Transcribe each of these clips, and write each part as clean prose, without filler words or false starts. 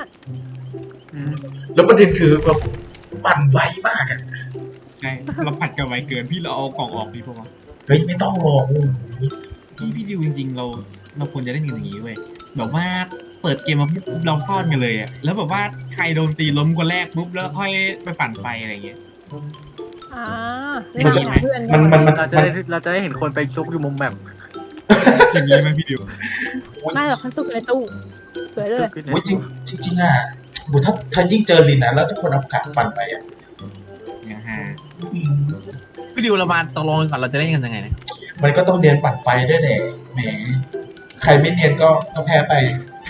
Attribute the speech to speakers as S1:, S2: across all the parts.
S1: อ่ะ
S2: แล้วประเด็นคือแบบปั่นไวมากอ่ะ
S3: ใช่เราผัดกันไวเกินพี่เราเอากล่องออกดีพอ
S2: เฮ้ยไม่ต้องหรอก
S3: พี่ดิวจริงๆเราควรจะเล่นกันอย่างนี้เว้ยแบบว่าเปิดเกมมาปุ๊บเราซ่อนกันเลยอะแล้วแบบว่าใครโดนตีล้มคนแรกปุ๊บแล้วค่อยไปปั่นไฟอะไรอย่างเงี้ย
S1: อ่าเล่นกับเพื่อน
S4: เราจะได้เห็นคนไปซุกอยู่มุมแบบ
S3: อย่างนี้ไหมพี่ดิว
S1: ไม่หรอกมันสุกในตู้สวยเลย
S2: โอ้ยจริงอ่ะโหถ้ายิ่งเจอลินนะแล้วทุกคนเอากาดฟันไปอ่ะ
S3: เนี่ยฮะพี่ดิวเรามาตกลงกันก่อนเราจะเล่นกันยังไงนะ
S2: มันก็ต้องเรียนปั่นไฟด้วยแหละแหมใครไม่เรียนก็แพ้ไป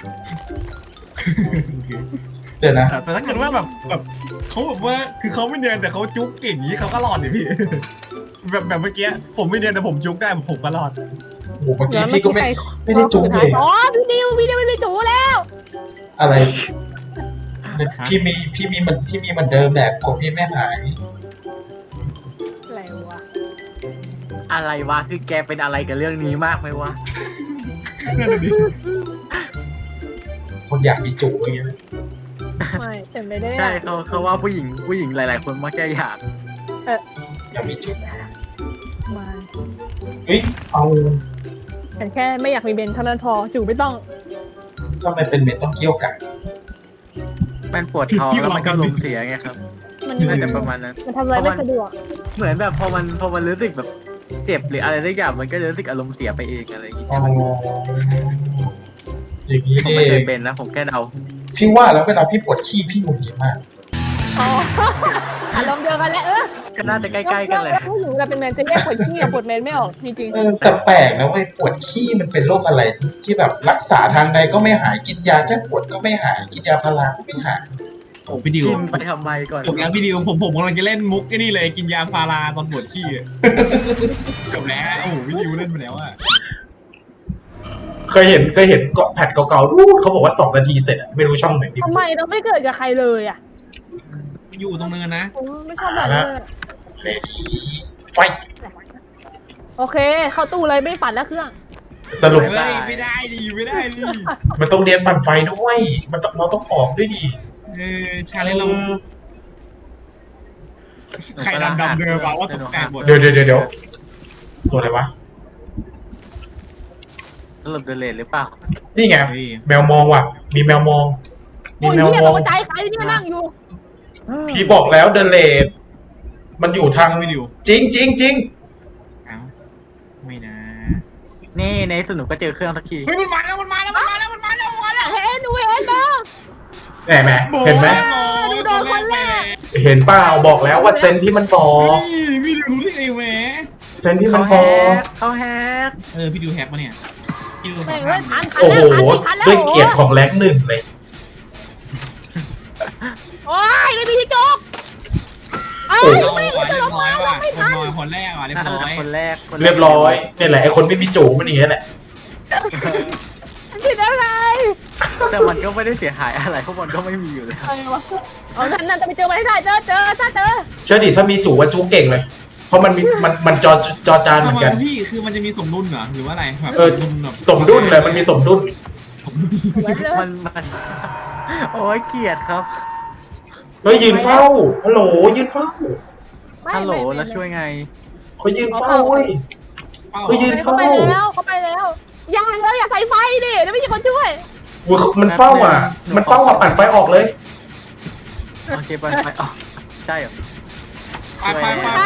S2: เดี๋ยวนะ
S3: แต่ถ้าเกิดว่าแบบเขาแบบว่าคือเขาไม่เนียนแต่เขาจุ๊กเก่งอย่างนี้เขาก็รอดเนี่ยพี่ แบบเมื่อกี้ผมไม่เนียนแต่ผมจุ๊กได้ผมก็รอด
S2: โอ้โหเมื่อกี้พี่ก็ไม่ได้จุ๊บเลย
S1: อ๋อพี่ดิวไม่มีจูแล้ว
S2: อะไรพี่มีเหมือนเดิมแหละผมพี่ไม่หาย
S1: อะไรวะ
S4: อะไรวะคือแกเป็นอะไรกับเรื่องนี้มากไหมวะ
S3: นั่นแหละดิ
S2: คนอยากมีจุ๊อย่างเงี้ย
S1: ไม่แต่ไม่ได้
S4: ใช่เขาว่าผู้หญิงหลายๆคนมักจะอยาก
S2: อยากมีจุ๊
S1: มา
S2: เฮ้ยเอา
S1: ฉันแค่ไม่อยากมีเบนเท่านั้นพอจูไม่ต้อง
S2: ทำไมเป็นเม็ดต้องเกี่ยวกัน
S4: มันปวดท้องแล้วมันก็ลมเสียไงครับ
S1: มัน
S4: น่าจะประมาณนั้น
S1: มันทำอะไรไม่สะดวก
S4: เหมือนแบบพอมันรู้สึกแบบเจ็บหรืออะไรสักอย่างมันก็จะรู้สึกอารมณ์เสียไปเองอะไรอย่างงี้
S2: อ๋อ
S4: ใช่ไหม
S2: อย่างนี้
S4: ผม
S2: เอ
S4: ไม่เคย
S2: ง
S4: เป็นนะผมแค่เดา
S2: พี่ว่าแล้วเวลาพี่ปวดขี้พี่หงุดหงิดมาก
S1: อ๋ออารมณ์เดียวกันแหละ
S4: ก็น่าจะใกล้ๆกันเลย
S1: แล้วผู้หญิงเราเป็นแมนจะแยกปวดขี้กับปวดเมนไม่ออกจริง
S2: แต่แปลกนะเว้ยปวดขี้มันเป็นโรคอะไรที่แบบรักษาทางใดก็ไม่หายกินยาแก้ปวดก็ไม่หายกินยาพาราก็ไม่หาย
S3: โอ้พี่ดิว
S4: กินไปทำไมก่อน
S3: จบแล้วพี่ดิวผมกำลังจะเล่นมุกไอ้นี่เลยกินยาพาราตอนปวดขี้อะจบแล้วโอ้โหพี่ดิวเล่นไปแล้วอะ
S2: เคยเห็นเกาะแผ่นเก่าๆรูดเขาบอกว่า2 นาทีเสร็จอะไม่รู้ช่องไหน
S1: ๆทำไมเราไม่เกิดกับใครเลยอ่ะ
S3: อยู่ตรงเนินนะ
S1: ผมไม่ชอบแบบนี้เลย
S2: เลดี้ไฟ
S1: โอเค เข้าตู้เลยไม่ปั่นแล้วเครื่อง
S2: สรุป
S3: เฮ้ยไม่ได้ดิ
S2: มันต้องเรียนปั่นไฟด้วยเราต้องออกด้วยดิ
S3: ชาเลนเราใครดำเดินมาว่าตกแต่งหมด
S2: เดี๋ยวตัวอะไรวะ
S4: สรุปเดลเลหรือเปล่า
S2: นี่ไงแมวมองว่ะมีแมวมอง
S1: โอ้ย
S2: แมว
S1: เนี่ย
S2: ม
S1: ต
S2: อง
S1: กใจใครที่นั่งอยู่
S2: พี่บอกแล้วเดเลดมันอยู่ทาง
S3: ไม่ดิว
S2: จริง
S3: เอ้าไม่นะ
S4: นี่ในสนุกก็เจอเครื่องสักที
S3: เฮ้ยมันมาแล้ว
S1: เห็นเห็นมา
S2: แหมเห็นไหม
S1: ดูโดนคนแรก
S2: เห็นเปล่าบอกแล้วว่าเซนที่มันบอก
S3: พี่ดิวรู้ได้ไงแหม
S2: เซนที่มันบ
S4: เขา
S2: อก
S4: เขาแฮก
S3: พี่ดิวแฮกมาเนี่ยพี่ดิว
S1: แม่ง
S3: ทำ
S1: เล่นทัน
S2: โอ้โห
S1: แล้ว
S2: ด้วยเกียรติของแรงหนึ่งเลย
S1: โอ้ยไม่มีที่จกเอ้ย
S3: เรา
S1: ไม่
S3: เรีย
S1: จะล
S3: บ
S1: ง
S3: ร้อ
S1: มาย ล
S3: ว่ะ
S1: งไม่ทัน
S3: คนแรกว่ะเรียบร้อย
S4: คนแรก
S2: เรียบร้อยนี่แหละไอคนไม่มีจูมันอย่างเงี้ยแหละ
S1: ผิดอะไร
S4: แต่มันก็ไม่ได้เสียหายอะไรเพราะมันก็ไม่มีอยู่แล้ว
S1: อะไรวะเอานั่นจะไปเจอมาให้ได้เจอถ้าเจอ
S2: เชื่อดิถ้ามีจูว่าจูเก่งเลย เพราะมันจอจานเหมือนกัน
S3: พี่คือมันจะมีสมดุลเหรอหรือว่าอะไรแบบ
S2: สมดุลเลยมันมีสมดุล
S4: มันโอ้ยเกลียดครับ
S2: เฮ้ยยืนเฝ้าฮัลโหลยืนเฝ้า
S4: ฮัลโหลแล้วช่วยไง
S2: เขายืนเฝ้าเว้ย เขายืน
S1: เขาไปแล้วอย่าเลยอย่าใส่ไฟดิแล้วไม่มีคนช่วย
S2: มันเฝ้าอ่ะปั่นไฟออกเลย
S4: โอเคไปอ๋อใช่เหรอ
S3: ไป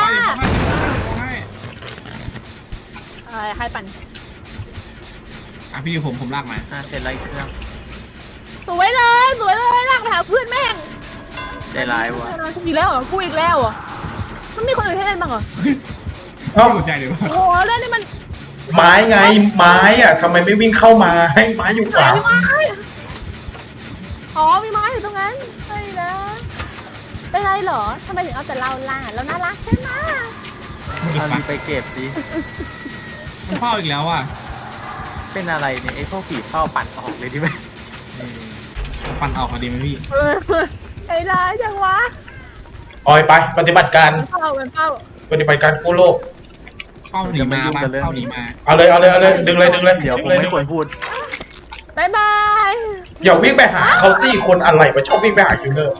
S1: ใครปั่น
S3: พี่ดิวผมลากมา
S4: เสร็จไรเครื่อง
S1: สวยเลยลากไปหาเพื่อนแม่ง
S4: ใจร้ายวะ
S1: อีกแล้วเหรอกูอีกแล้วเหรอมันมีคนอื่นให้เล่นบ้างเหรอ
S2: เอ้า
S3: สนใจเลยว่า
S1: โอ้โหเล่นนี่มัน
S2: ไม้ไงไม้อ่ะทำไมไม่วิ่งเข้ามาให้ไม้อยู่ขวา
S1: มีไม้อ๋อมีไม้อยู่ตรงนั้นใช่นะเป็นไรเหรอทำไมถึงเอาแต่เราล่ะเราน่ารักใช่ไหม
S4: เอาดีไปเก็บดิ
S3: มันเฝ้าอีกแล้วอ่ะ
S4: เป็นอะไรเนี่ยไอ้พวกผีเฝ้าปั่นออกเลยดิไหม
S3: ปั่นออกมาดีไหมพี่
S1: ไอ้ร้ายจังวะ
S2: ออยไปปฏิบัติการ
S1: มันเฝ้า
S2: ปฏิบัติการกู้โลก
S3: เฝ้าหนีมาเฝ้าหนีมา
S2: เอาเลยดึงเลย
S4: เดี๋ยวผม
S2: เลย
S4: ไม่ควรพูด
S1: บายบาย
S2: อย่าวิ่งไปหาเขาสิคนอะไรมาชอบวิ่งไปหาคิวเลอร์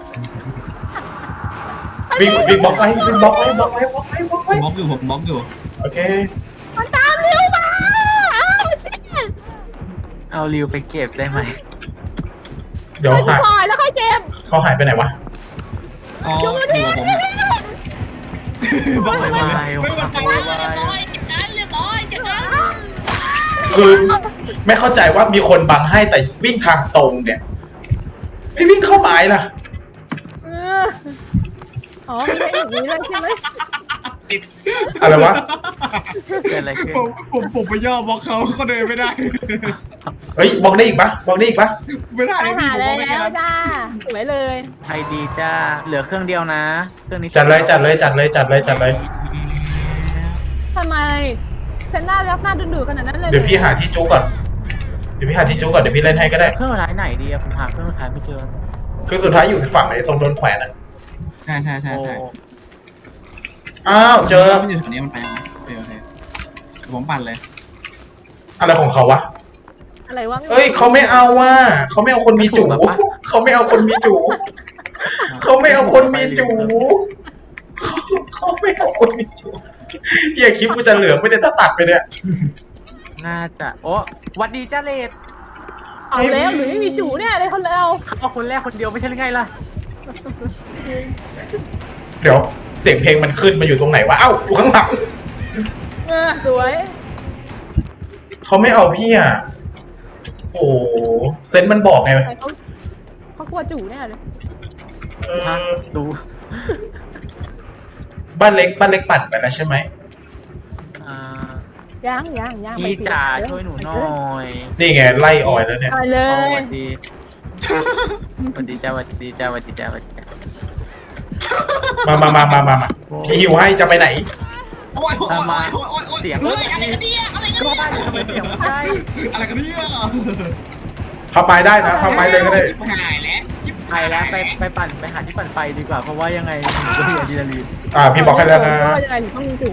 S2: วิ่งบล็อกไว้วิ่งบล็อกไว้บล็อกไว้บล็อกไว้บล็อกไว้
S3: บล็อกอยู่ผมบล็อกอยู่
S2: โอเค
S1: มันตามเร็วมาอ้าวเชี่ย
S4: เอาริวไปเก็บได้ไหม
S2: เดี๋ยว
S1: ไป
S2: หาย
S1: ปล่อยแล้วค่อยเก็บ
S2: เขาหายไปไหนวะ
S3: อ๋ออยู่กับผมอะบล็อกไม่ไหว
S4: ไม่
S3: ไม่
S4: ไหว
S3: ไหว
S2: คือไม่เข้าใจว่ามีคนบังให้แต่วิ่งทางตรงเนี่ยไม่วิ่งเข้าไม้ล่ะ
S1: เอออ๋อมีแค่อย่างนี้เลยใช่ไหม
S2: อะไรวะ
S4: เกิดอะไรขึ้น
S3: ผมไปย่อบล็อกเขาเดินไม่ได้
S2: เฮ้ยบล็อกได้อีกปะบล็อกได้อีกปะ
S3: ไม่ได้
S1: ต้อง
S3: พี่
S1: หา
S3: ผม
S1: แล้
S3: บล็อกไม่ได้
S1: วจ้าสวยเลย
S4: ไอดีจ้าเหลือเครื่องเดียวนะเครื่องนี้
S2: จัดเลยจัดเลยจัดเลยจัดเลยจัดเลย
S1: ทำไมฉันน่ารักน่าดึงดูดขนาดนั้นเลย
S2: เดี๋ยวพี่หาที่จูก่อนเดี๋ยวพี่หาที่จูก่อนเดี๋ยวพี่เล่นให้ก็ได้
S4: เครื่องสุดท้ายไหนดีอะผมหาเครื่องสุดท้ายไม่เจอ
S2: คือสุดท้ายอยู่ฝั่งไหนตรงโดนแขวนอ่ะ
S3: ใช่ใช่ใช่
S4: โอ้
S3: ใช่
S2: อ้าวเจอ
S3: มันอยู่แถวนี้มันไปไหมโอเคโอเคผมปั่นเลย
S2: อะไรของเขาวะ
S1: อะไรวะ
S2: เอ้ยเขาไม่เอาว่ะเขาไม่เอาคนมีจูเขาไม่เอาคนมีจูเขาไม่เอาคนมีจูเขาไม่เอาคนมีจูอย่าคิดกูจะเหลือไม่ได้ถ้าตัดไปเนี่ย
S4: น่าจะโอ้หวัดดีจ้าเลด
S1: เอาแล้วหรือไม่มีจูเนี่ยเลยคนเรา
S4: เอาคนแรกคนเดียวไม่ใช่หรือไงล่ะ
S2: เดี๋ยวเสียงเพลงมันขึ้นมาอยู่ตรงไหนวะเอ้าอยู่ข้างหลัง
S1: สวย
S2: เขาไม่เอาพี่อ่ะโอ้เซนต์มันบอกไง
S1: เขากลัวจูแน่เลย
S2: เอ
S4: ฮะ
S2: อ
S4: ดู
S2: บ้านเล็กปั่นไปแล้วใช่ไหม
S4: อ่า
S1: ย่าง
S4: พี่จ๋าช่วยหนูหน่อย
S2: นี่ไงไล่ออยแล้วเนี่ย
S1: ไปเล
S4: ส
S1: ย
S4: วัสดีสวัสดีจ้าสวัสดีจ้าสวัสดีจ้าสวัสดีจ้า
S2: มาพี่หิวให้จะไปไหน
S3: โอ้ยโอ้ย
S4: ทำมา
S3: โอ้ยโอ้ยโอ้ย
S4: เสียง
S3: เฮ้ยอะไรกันเนี่ยอะไรกัน
S4: ก็
S3: เนี่ย
S4: บ้านทำไมเสียงไม่ได้
S3: อะไรกันเนี่ย
S2: พาไปได้นะพาไปเลยก็ได้
S3: ชิบหายแล้วชิบ
S4: ไปแล้วไปปั่นไปหาที่ปั่นไฟดีกว่าเพราะว่ายังไงหนูก็มีอะดรีนาลีน
S2: พี่บอกให้แล้วนะ
S1: ยังไงถึงต้องมีจู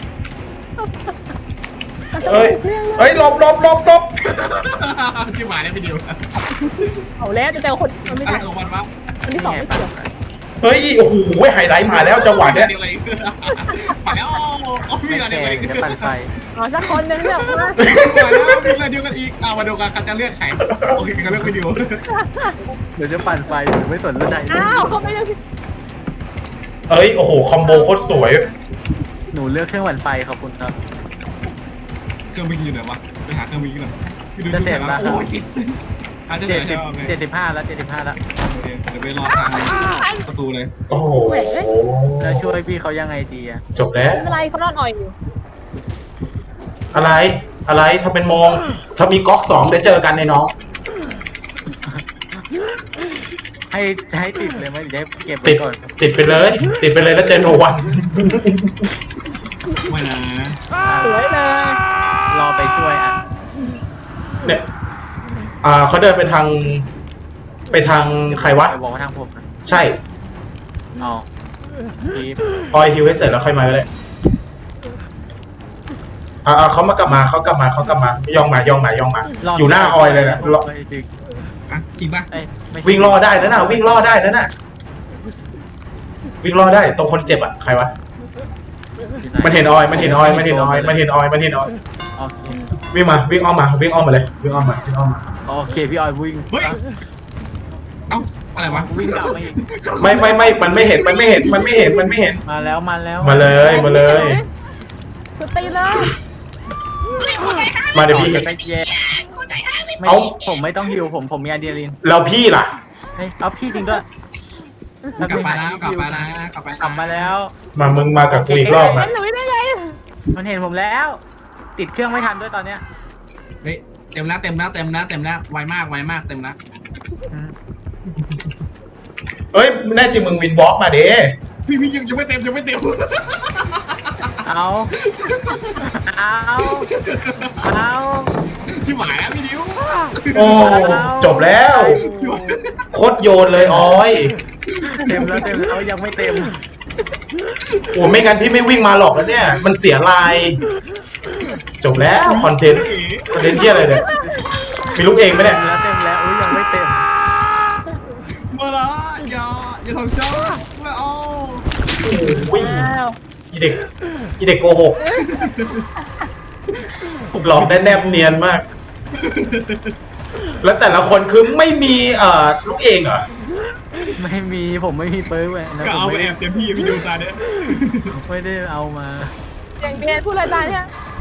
S2: เอ้ยหลบ
S3: ชิบหายแล้วพี่ดิว
S1: เอาแล้วจะเจอคนมันไม่
S3: อะไร
S1: ใช่
S3: ของมันวะ
S1: คนที่สองไม่เกี่ยว
S2: เฮ้ยโอ้โหไฮไลท์มาแล้วจังหวะเนี้ย
S3: มาแล้วโอ้
S4: ไม่
S3: มีอะไร
S4: แข่
S3: กันอีก
S4: งจะปั่นไฟ
S1: อ๋อสักคนนึงเนี่ยมา
S3: มาแล้วมีอะไรเดียวกันอีกมาดูกันใครจะเลือกใครโอเคเขาเลือกพี่ดิว
S4: เดี๋ยวจะปั่นไฟหนูไม่สนใจ
S1: อ้าวเขาไม่เลือก
S2: เอ้ยโอ้โหคอมโบโคตรสวย
S4: หนูเลือกเครื่องปั่นไฟขอบคุณครับ
S3: เครื่องวิ่งอยู่ไหนวะไปหาเครื่องวิ่งหน่อยพี่ดู
S4: จะเสร็จแล้ว
S3: โอ้ยอาจจะเสร็จแล้ว
S4: 75แล้ว75แล้ว
S3: เดี๋ยวไปรอทางประตูเลย
S2: โอ้โห
S4: แล้วช่วยพี่เขายังไงดีอะ
S2: จบแล้ว
S1: ไม่เป็นไรเขานอนอ่อยอยู่
S2: อะไรทำเป็นมอง ถ้ามีก๊อก2เดี๋ยวเจอกันในน้อง
S4: ให้ติดเลยไหมหรือจะให้เก็บไว้
S2: ติด
S4: ก่อน
S2: ติดไปเลยแล้วเจอโนวัน
S3: ไม่นะ
S1: สวยเลย
S4: รอไปช่วยอ่ะ
S2: เนี่ยเขาเดินไปทางใครวะ
S4: ไปบอกว่าทางผมนะ
S2: ใช่
S4: อ๋อพีฟ
S2: ออยฮิวให้เสร็จแล้วค่อยมาก็ได้เขากลับมาย่องมาอยู่หน้าออยเลยนะรอ
S3: อ่ะจริงป่ะ
S2: วิ่งล่อได้นะน่ะวิ่งล่อได้นะน่ะวิ่งล่อได้ตรงคนเจ็บอ่ะใครวะมันเห็นออย
S4: โอเค
S2: วิ่งอ้อมมาเลยวิ่งอ้อมมา
S4: โอเคพี่ออยวิ่ง
S3: เฮ้ยเอ้าอะไรวะ
S4: วิ่งกลับมาอีก
S2: ไม่มันไม่เห็น
S4: มาแล้ว
S2: มาเลย
S1: คือตีเลย
S2: มาเดี๋ยวพี่
S4: ไปแย่ไม่
S2: เอ้า
S4: ผมไม่ต้องฮิวผมมีอะดรีนาลีน
S2: แล้วพี่ล่ะ
S4: เฮ้ยเอาพี่จริงด้วย
S3: กลับมาแล้ว
S4: กลับมาแล้ว
S2: มึงมากับกูอีกรอบ
S1: เห็
S2: อ่ะ
S1: นหนูได้ไง
S4: มันเห็นผมแล้ว ติดเครื่องไม่ทันด้วยตอนเนี้ย
S3: เฮ้ยเต็มแล้วไวมากเต็มแล้ว
S4: อืม
S2: เอ้ยแน่จริงมึงวินบล็อกมาเด้
S3: พี่ยังไม่เต็ม
S4: เอา
S3: ที่หมายแล้วพี่ดิว
S2: โอ้จบแล้วโคตรโยนเลยออย
S4: เต็มแล้วยังไม่เต็ม
S2: โอ้ไม่งั้นพี่ไม่วิ่งมาหรอกนะเนี่ยมันเสียลาย จบแล้วคอนเทนต์ที่อะไรเนี่ยมีลูกเองไหมเนี่ย
S4: เต็มแล้วอุ้ยยังไม่เต็ม
S3: มาละอย่าทำช้าไม่เอา
S2: โอ้ย
S1: อ้าว
S2: อีเด็กโกหกหลอกได้แนบเนียนมาก แล้วแต่ละคนคือไม่มีลูกเองเหรอ
S4: ไม่มีผมไม่มีเปิร์กเลยนะ
S3: ก็
S4: ผม
S3: เอาไป
S4: ไม่
S3: แอ
S4: ได้
S3: บเต็มที่พี่ดูตาเนี่ย
S4: ไม่ได้เอามา
S1: อย่างเบียร์พูดอะไรตายเนี่ย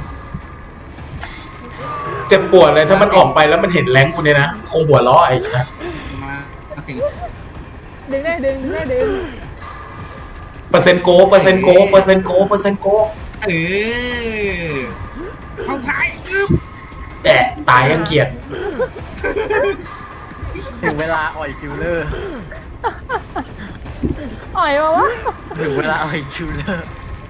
S2: เจ็บปวดเลยถ้ามันออกไปแล้วมันเห็นแรงกูเนี่ยนะคงหัวล้อไอ้นะ
S3: มาสิ
S1: ดึงได้ดึงได้ดึง
S2: เปอร์เซ็นต์โกเปอร์เซ็นต์โกเปอร์เซ็นต์โกเปอร์เซ็นต์โก
S3: เออเข้าใช้อึ๊บ
S2: แต่ตายยังเกลียด
S4: ถึงเวลาอ่อยคิวเลอร์
S1: อ่อยวะ
S4: ถึงเวลาอ่อยคิวเลอร์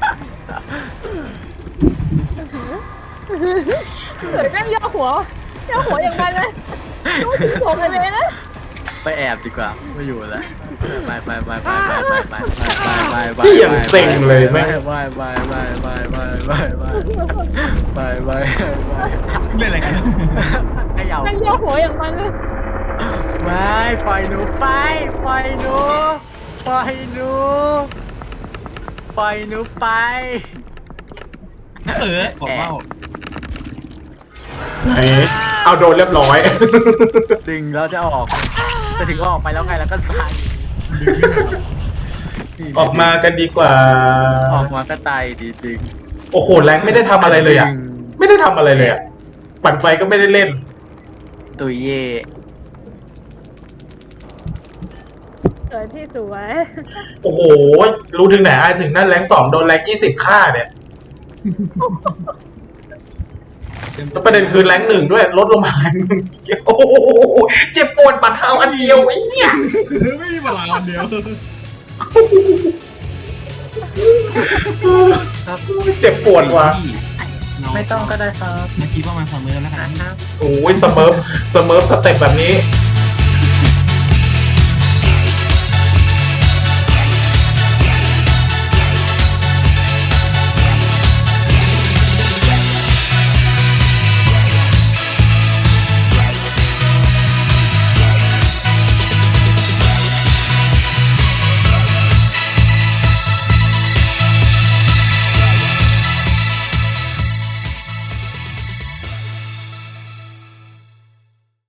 S1: เดี๋ยวแม่งย่อหัวอย่างไรเลยต้องถึงผมเลยนะ
S4: ไปแอบดีกว่าไม่อยู่แล้วไป
S2: พี่อย่างเซ็งเลยแม่ง
S4: ไป
S3: เล่นอะไรกัน
S4: ขย่า
S1: แม่งย่อหัวอย่างมันเลย
S4: ไม่ปล่อยหนูไปปล่อยหนูไป
S3: บอกเล่า
S2: ไหนเอาโดนเรียบร้อย
S4: ดึงแล้วจะออกจะถึงออกไปแล้วไงแล้วก็ตาย
S2: ออกมากันดีกว่า
S4: ออกมาก็ตายดีจริง
S2: โอ้โหแรงไม่ได้ทำอะไรเลยอ่ะ ไม่ได้ทำอะไรเลยอ่ะ ปั่นไฟก็ไม่ได้เล่น
S4: ตุยเย่
S1: สวยที่สวย
S2: โอ้โห รู้ถึงไหนไอ้ถึงนั่นแรง2โดนแรง20ฆ่าเนี่ยแล้วประเด็นคือแรง1ด้วยลดลงมาแรง1โอ้โหเจ็บปวดบัดเท้าอันเดียวไอ้เหี้ย
S3: ไม่มีเวลาวันเดียว
S2: เจ็บปวดว่ะ
S4: ไม่ต้องก็ได้ครับ
S3: เมื่อกี้ประมาณ2 มื้อแล้วกัน
S2: โอ้ยเสเมิร์ฟสเต็ปแบบนี้